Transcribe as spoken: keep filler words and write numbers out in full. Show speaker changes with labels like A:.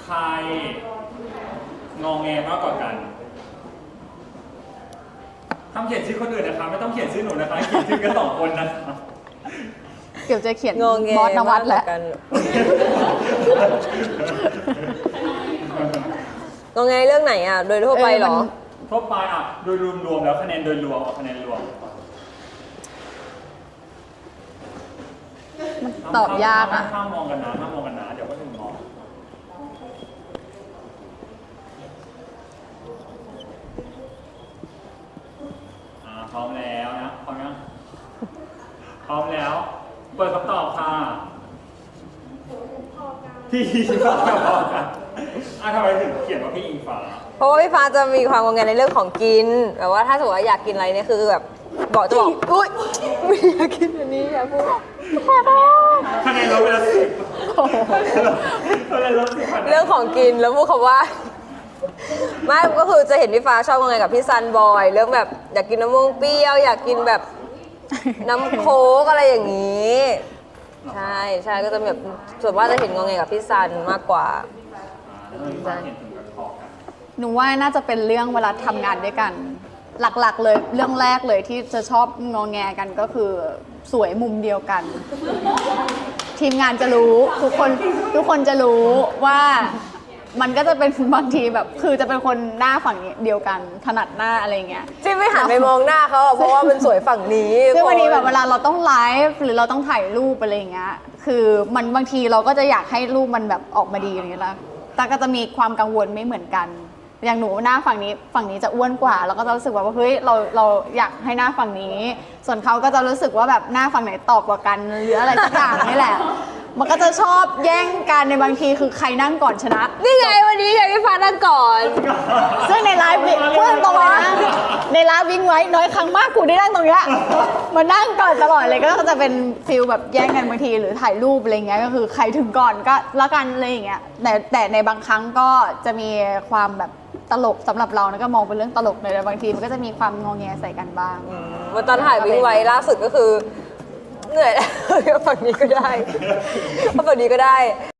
A: รงอแงมากกว่ากันห้ามเขียนชื่อคนอื่นนะคะไม่ต้องเขียนชื่อหนูนะคะเขียนชื่อกันสองคนนะคะ
B: เดี๋ยวจะเขียน
C: งงแง
B: บอสนวัตแหละ
C: กันงงแงเรื่องไหนอ่ะโดยทั่วไปเหรอ
A: ทั่วไปอ่ะโดยรวมๆแล้วคะแนนโดยรวมเอาคะแนนรวม
B: มันตอบยากอ่ะ
A: ห้ามมองกันนะห้ามมองกันนะเดี๋ยวก็ถึงมองอ่าพร้อมแล้วนะพร้อมยังพร้อมแล้วเปิดคำตอบค่ะพี่อิงฟ้ากับพอกันอ่ะทำไมถึงเขียนว่าพี่อิงฟ้า
C: เพราะว่าพี่ฟ้าจะมีความงงแงในเรื่องของกินแบบว่าถ้าสมมติว่าอยากกินอะไรเนี่ยคือแบบบอกจะบอกอุ้ยไม่อยากกินอันนี้อย่าพูด
A: คะแนนลดไปละสิบคะแนนลดสิบ
C: เรื่องของกินแล้วพูดคำว่าไม่ก็คือจะเห็นพี่ฟ้าชอบงงแงกับพี่ซันบอยเรื่องแบบอยากกินน้ำม่วงเปรี้ยวอยากกินแบบน้ำโค้กอะไรอย่างนี้ใช่ใช่ก็จะแบบส่วนว่าจะเห็นงงแงกับพี่ซันมากกว่า
B: หนูว่าน่าจะเป็นเรื่องเวลาทำงานด้วยกันหลักๆเลยเรื่องแรกเลยที่จะชอบงอแงกันก็คือสวยมุมเดียวกัน ทีมงานจะรู้ทุกคนทุกคนจะรู้ว่ามันก็จะเป็นบางทีแบบคือจะเป็นคนหน้าฝั่งเดียวกันถนัดหน้าอะไรเงี้ย
C: ที่ไม่หันไปมองหน้าเขาเพราะว่ามันสวยฝั่งนี้
B: ซึ่งวันนี้แบบเวลาเราต้องไลฟ์หรือเราต้องถ่ายรูปอะไรเงี้ยคือมันบางทีเราก็จะอยากให้รูปมันแบบออกมาดีอย่างเงี้ยละแต่ก็จะมีความกังวลไม่เหมือนกันอย่างหนูหน้าฝั่งนี้ฝั่งนี้จะอ้วนกว่าแล้วก็จะรู้สึกว่าเฮ้ยเราเราอยากให้หน้าฝั่งนี้ส่วนเขาก็จะรู้สึกว่าแบบหน้าฝั่งไหนตอบกว่ากันหรืออะไรสักอย่างนี่แหละมันก็จะชอบแย่งกันในบางทีคือใครนั่งก่อนชนะ
C: นี่ไงวันนี้ไงพี่ฟ้านั่งก่อน
B: ซึ่งในไลฟ์พูดตรงๆนะในไลฟ์วิ่งไว้น้อยครั้งมากกูได้นั่งตรงเนี้ยมานั่งก่อนตลอดเลยก็จะเป็นฟิลแบบแย่งกันบางทีหรือถ่ายรูปอะไรเงี้ยก็คือใครถึงก่อนก็แล้วกันอะไรอย่างเงี้ยแต่แต่ในบางครั้งก็จะมีความแบบตลกสำหรับเรานะก็มองเป็นเรื่องตลกเลยแต่บางทีมันก็จะมีความงอแงใส่กันบ้าง
C: วันตอนถ่ายวิ่งไว้ล่าสุดก็คือเหนื่อยแล้วฝั่งนี้ก็ได้ฝั่งนี้ก็ได้